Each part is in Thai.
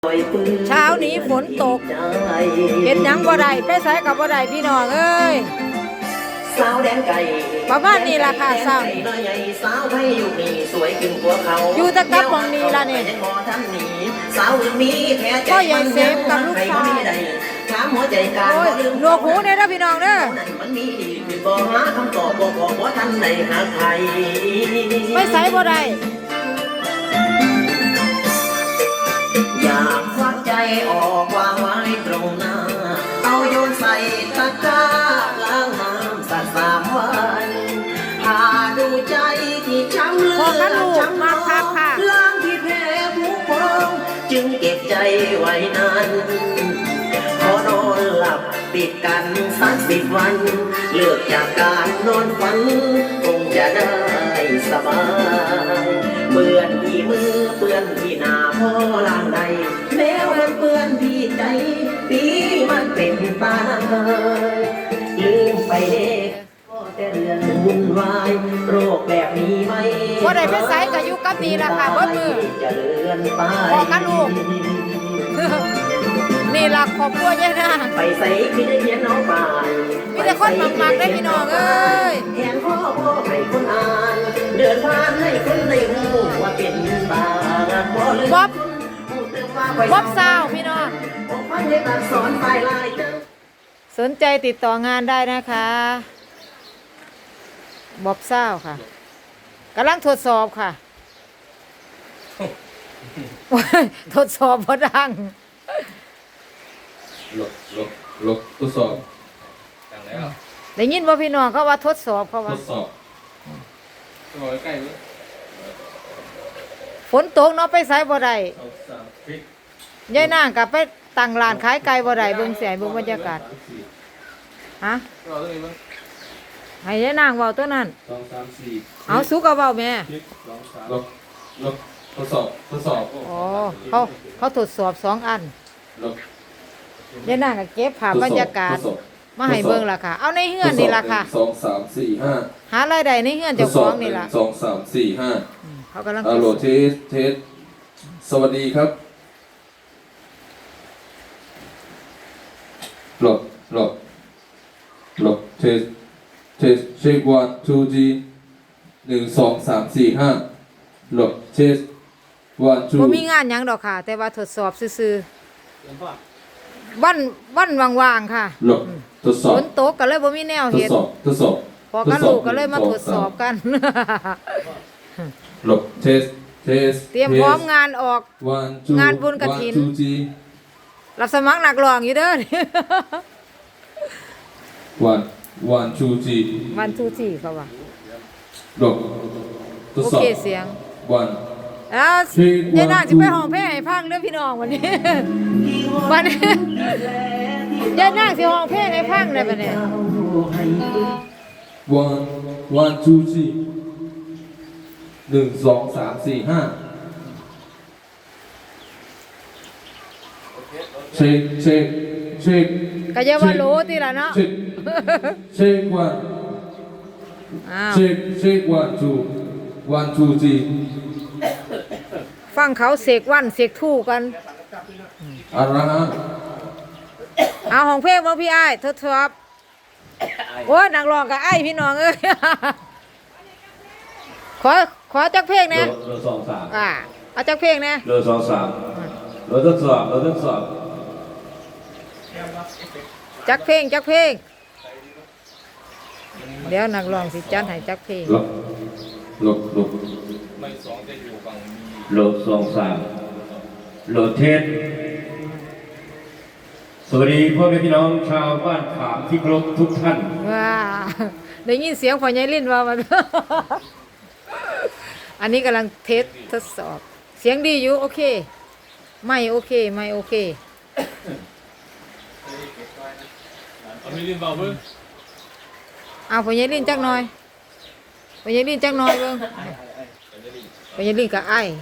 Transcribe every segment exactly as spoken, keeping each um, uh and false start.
เช้านี้ฝนตกเห็นยังบ่ได้ไปใส่กับบ่ได้พี่น้องเอ้ยประมาณนี้ล่ะค่ะสาวอยู่ตะกับมองนี้ล่ะนี่ก็ยังเซฟกับลูกชายโอ้ยหนวกหูเนี่ยนะพี่น้องเด้อไปใส่บ่ได้อยากควักใจออกวางไว้ตรงหน้าเอาโยนใส่ตะกร้าล้างน้ำสักสามวันหาดูใจที่ช้ำเลือดช้ำน้ำล้างที่แพ้ผู้พองจึงเก็บใจไว้นานพอนอนหลับติดกันสักสิบวันเลือกจากการนอนฝันคงจะได้สบายเปื้อนที่มือเปื้อนที่หน้าพ่อล่างใดแล้วมันเปื้อนที่ใจปีมันเป็นตาลืมไปเด็กก็แต่เรื่องวุ่นวายโรคแบบนี้ไม่บ่ได้ไปใส่ก็อยู่กับนี่ล่ะค่ะเบิดมือพอกันลูกนี่ล่ะครอบครัวยายนางไปใส่พี่ได้เห็นน้องป่านมีแต่คนมักๆได้พี่น้องเอ้ยแทนพ่อพ่อให้คนอ่านเดินผ่านให้คนได้รู้ว่าเป็นบาบ่ลืมบ๊อบบ๊อบสาวพี่น้องสนใจติดต่องานได้นะคะบ๊อบสาวค่ะกำลังทดสอบค่ะทดสอบพอดังหลบหลบหลบทดสอบดังแล้วได้ยินว่าพี่น้องเขาว่าทดสอบเขาว่าทดสอบตัวใกล้เลยฝนตกเนาะไปไสบ่ได้ยายนางกับไปตั้งร้านขายไก่บ่ได้เบิ่งเสียเบิ่งบรรยากาศฮะให้ยายนางเว้าตัวนั้นสองสามสี่เอาสู้กับเว้าแม่หลบหลบทดสอบทดสอบอ๋อเขาเขาทดสอบสองอันหลบยายนางก็เก็บภาพบรรยากาศมาให้เบิ่งล่ะค่ะเอาในเฮือนนี่ล่ะค่ะสองสามสี่ห้าหารายได้ในเฮือนเจ้าของนี่ล่ะสองสามสี่ห้าเขากำลังฮัลโหลเทสเทสสวัสดีครับหลบหลบหลบเทสเทสเช็ควันทูจีหนึ่งสองสามสี่ห้าหลบเทสวันทูบ่มีงานหยังดอกค่ะแต่ว่าทดสอบซื่อๆวันวันว่างๆค่ะหลบทดสอบฝนตกก็เลยบ่มีแนวเฮ็ดทดสอบทดสอบพอกันลูกก็เลยมาทดสอบกันหลบเทสเทสเตรียมพร้อมงานออกงานบุญกฐินรับสมัครนักร้องอยู่เด้อวันวันชูจีวันชูจีเขาว่าหลบทดสอบโอเคเสียงวันแล้วยายนางจะไปห้องเพลงให้ฟังเด้อพี่น้องวันนี้วันนี้ยายนางสิห้องเพลงให้ฟังได้ปะเนี่ยวันวันชูจีหนึ่งสองสามสี่ห้าเช็คเช็คเช็คก็อย่าว่ารู้ทีละเนาะเช็คเช็ควันเช็คเช็ควันทูวันทูจีฟังเขาเสกวันเสกทู่กันอะไรฮะเอาของเพลงบ่พี่อ้ายทดสอบโอ้ยนักร้องกับไอ้พี่น้องเอ้ยขอขอจักเพลงนะโลสองสามอ่าเอาจักเพลงนะโลสองสามโลทดสอบโลทดสอบจักเพลงจักเพลงเดี๋ยวนักร้องสิจัดให้จักเพลงลบลบลบไม่สองจะอยู่ฝั่งโลสองสามโลเทสสวัสดีพ่อแม่พี่น้องชาวบ้านขามที่เคารพทุกท่านว้าได้ยินเสียงพ่อใหญ่ลิ้นว่ามันอันนี้กำลังเทสทดสอบเสียงดีอยู่โอเคไม่โอเคไม่โอเคเอาไม่ลิ้นเบาเพิ่งเอาพ่อใหญ่ลิ้นจักหน่อยพ่อใหญ่ลิ้นจักหน่อยเบิ่งพ่อใหญ่ลิ้นกับไอ้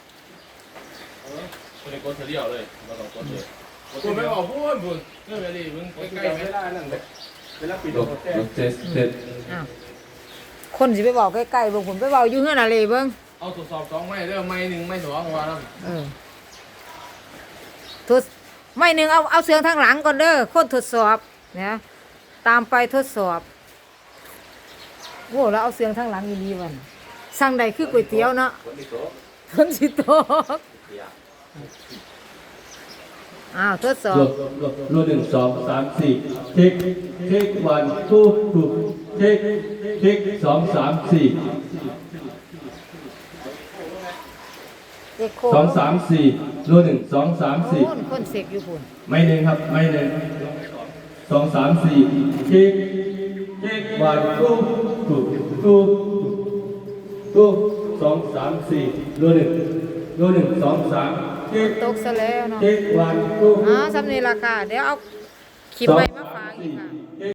คนในกดเดียวเลยมาสองคนเลยคุณไม่บอกพูดบุญเรื่องอะไรมึงใกล้ๆไม่ได้นั่นเลยเวลาปิดเทสเทสคนสิไปบอกใกล้ๆเบิ่งผมไปบอกอยู่เฮือนอะไรเบิ่งเอาทดสอบสองไม้เด้อไม้หนึ่งไม้สองว่าแล้วเออทดไม่หนึ่งเอาเอาเสียงทางหลังก่อนเด้อคนทดสอบเนี่ยตามไปทดสอบโว้แล้วเอาเสียงทางหลังดีๆวันสั่งใดคือก๋วยเตี๋ยวเนาะฝนสิตกอ้าวทดสอบรวดรวดหนึ่งสองสามสี่เช็คเช็ควันทูทูเช็คเช็คสองสามสี่เอกโคสองสามสี่รวดหนึ่งสองสามสี่โอ้นคนเสกอยู่พุ่นไม่หนึ่งครับไม่หนึ่งสองสามสี่เช็คเช็ควันทูทูทูทูสองสามสี่รวดหนึ่งรวดหนึ่งสองสามเช็คตกซะแล้วเนาะเช็ควันทูอ๋อสำนีราคาเดี๋ยวเอาคลิปใหม่มา